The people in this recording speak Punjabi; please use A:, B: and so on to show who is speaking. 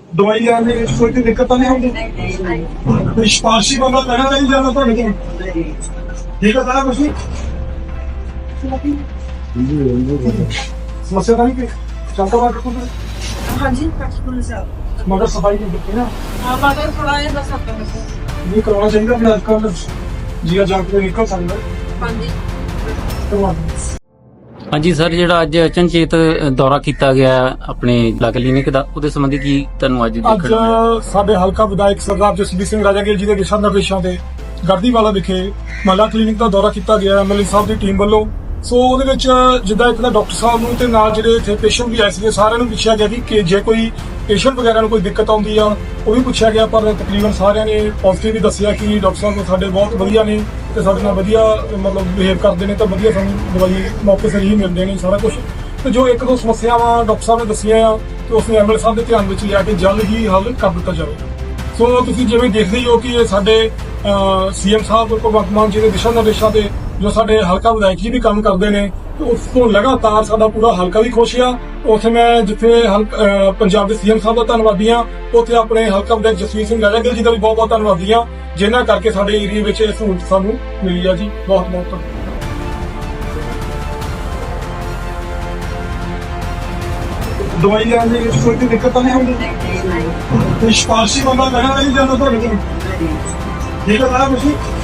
A: ਦਵਾਈ ਲੈਣ ਦੇ ਵਿੱਚ ਕੋਈ ਦਿੱਕਤ ਤਾਂ ਨਹੀਂ ਹੁੰਦੀ? ਕੋਈ ਸਿਫਾਰਸ਼ੀ ਬੰਦਾ ਲੈਣਾ ਨਹੀਂ ਜਾਂਦਾ ਤੁਹਾਡੇ ਕੋਲ? ਠੀਕ ਹੈ ਸਾਰਾ ਕੁਝ ਸਮੱਸਿਆ ਤਾਂ ਨਹੀਂ ਕੋਈ ਚੱਲਦਾ ਬਾਅਦ ਕੋਲ?
B: हाँ जी कटपुर से आओ।
A: मगर सफाई नहीं दिखती ना,
B: हाँ मगर थोड़ा ये बस हफ्ते में से।
A: ये करवाना चाहिए अपने आजकल जिया जाग के निकल सकता है
B: हाँ जी
A: करवा दो।
C: ਹਾਂਜੀ ਸਰ, ਜਿਹੜਾ ਅੱਜ ਅਚਨਚੇਤ ਦੌਰਾ ਕੀਤਾ ਗਿਆ ਆਪਣੇ ਲਾ ਕਲੀਨਿਕ ਦਾ, ਉਹਦੇ ਸੰਬੰਧੀ ਕੀ ਤੁਹਾਨੂੰ ਅੱਜ
A: ਅੱਜ
C: ਦੇਖਣ ਨੂੰ ਮਿਲਿਆ?
A: ਸਾਡੇ ਹਲਕਾ ਵਿਧਾਇਕ ਸਰਦਾਰ ਜਸਬੀਰ ਸਿੰਘ ਰਾਜਾਗੀਰ ਜੀ ਦੇ ਦਿਸ਼ਾ ਨਿਰਦੇਸ਼ਾਂ ਤੇ ਗੜਦੀਵਾਲਾ ਵਿਖੇ ਮਹੱਲਾ ਕਲੀਨਿਕ ਦਾ ਦੌਰਾ ਕੀਤਾ ਗਿਆ ਐਮਐਲਏ ਸਾਹਿਬ ਦੀ ਟੀਮ ਵੱਲੋਂ। ਸੋ ਉਹਦੇ ਵਿੱਚ ਜਿੱਦਾਂ ਇੱਕ ਤਾਂ ਡਾਕਟਰ ਸਾਹਿਬ ਨੂੰ ਤੇ ਨਾਲ ਜਿਹੜੇ ਇੱਥੇ ਪੇਸ਼ੈਂਟ ਵੀ ਆਏ ਸੀਗੇ ਸਾਰਿਆਂ ਨੂੰ ਪੁੱਛਿਆ ਗਿਆ ਕਿ ਜੇ ਕੋਈ ਪੇਸ਼ੈਂਟ ਵਗੈਰਾ ਨੂੰ ਕੋਈ ਦਿੱਕਤ ਆਉਂਦੀ ਆ ਉਹ ਵੀ ਪੁੱਛਿਆ ਗਿਆ, ਪਰ ਤਕਰੀਬਨ ਸਾਰਿਆਂ ਨੇ ਪੋਜ਼ਿਟਿਵ ਹੀ ਦੱਸਿਆ ਕਿ ਡਾਕਟਰ ਸਾਹਿਬ ਸਾਡੇ ਬਹੁਤ ਵਧੀਆ ਨੇ ਤੇ ਸਾਡੇ ਨਾਲ ਵਧੀਆ ਮਤਲਬ ਬਿਹੇਵ ਕਰਦੇ ਨੇ ਤਾਂ ਵਧੀਆ ਸਾਨੂੰ ਦਵਾਈ ਮੌਕੇ ਸਿਰ ਹੀ ਮਿਲਦੇ ਨੇ ਸਾਰਾ ਕੁਝ। ਤੇ ਜੋ ਇੱਕ ਦੋ ਸਮੱਸਿਆਵਾਂ ਡਾਕਟਰ ਸਾਹਿਬ ਨੇ ਦੱਸੀਆਂ ਆ ਤੇ ਉਸ ਨੂੰ ਐਮਐਲਏ ਸਾਹਿਬ ਦੇ ਧਿਆਨ ਵਿੱਚ ਲਿਆ ਕੇ ਜਲਦ ਹੀ ਹੱਲ ਕਰ ਦਿੱਤਾ ਜਾਵੇ। ਸੋ ਤੁਸੀਂ ਜਿਵੇਂ ਦੇਖਦੇ ਹੀ ਹੋ ਕਿ ਇਹ ਸਾਡੇ ਸੀਐਮ ਸਾਹਿਬ ਭਗਵੰਤ ਮਾਨ ਜੀ ਦੇ ਦਿਸ਼ਾ ਨਿਰਦੇਸ਼ਾਂ ਤੇ ਜੋ ਸਾਡੇ ਹਲਕਾ ਵਿਧਾਇਕ ਜੀ ਵੀ ਕੰਮ ਕਰਦੇ ਨੇ ਤੇ ਉਸ ਤੋਂ ਲਗਾਤਾਰ ਸਾਡਾ ਪੂਰਾ ਹਲਕਾ ਵੀ ਖੁਸ਼ ਆ। ਉੱਥੇ ਮੈਂ ਜਿੱਥੇ ਪੰਜਾਬ ਦੇ ਸੀਐਮ ਸਾਹਿਬ ਦਾ ਧੰਨਵਾਦੀ ਆ, ਉੱਥੇ ਆਪਣੇ ਹਲਕਾ ਵਿਧਾਇਕ ਜਸਵੀਰ ਸਿੰਘ ਰਾਜਾਗੀਰ ਜੀ ਦਾ ਵੀ ਬਹੁਤ ਬਹੁਤ ਧੰਨਵਾਦੀ ਆ, ਜਿਨ੍ਹਾਂ ਕਰਕੇ ਸਾਡੇ ਏਰੀਆ ਵਿੱਚ ਇਹ ਸਹੂਲਤ ਸਾਨੂੰ ਮਿਲੀ ਆ ਜੀ। ਬਹੁਤ ਬਹੁਤ ਧੰਨਵਾਦ। ਦਵਾਈ ਲੈਣ ਦੇ ਵਿੱਚ ਕੋਈ ਦਿੱਕਤ ਤਾਂ ਨਹੀਂ ਹੁੰਦੀ? ਕੋਈ ਸਿਫਾਰਸ਼ੀ ਬੰਦਾ ਲੈਣਾ ਨਹੀਂ ਜਾਂਦਾ ਤੁਹਾਡੇ ਕੋਲ? ਠੀਕ ਹੈ ਸਾਰਾ ਕੁਝ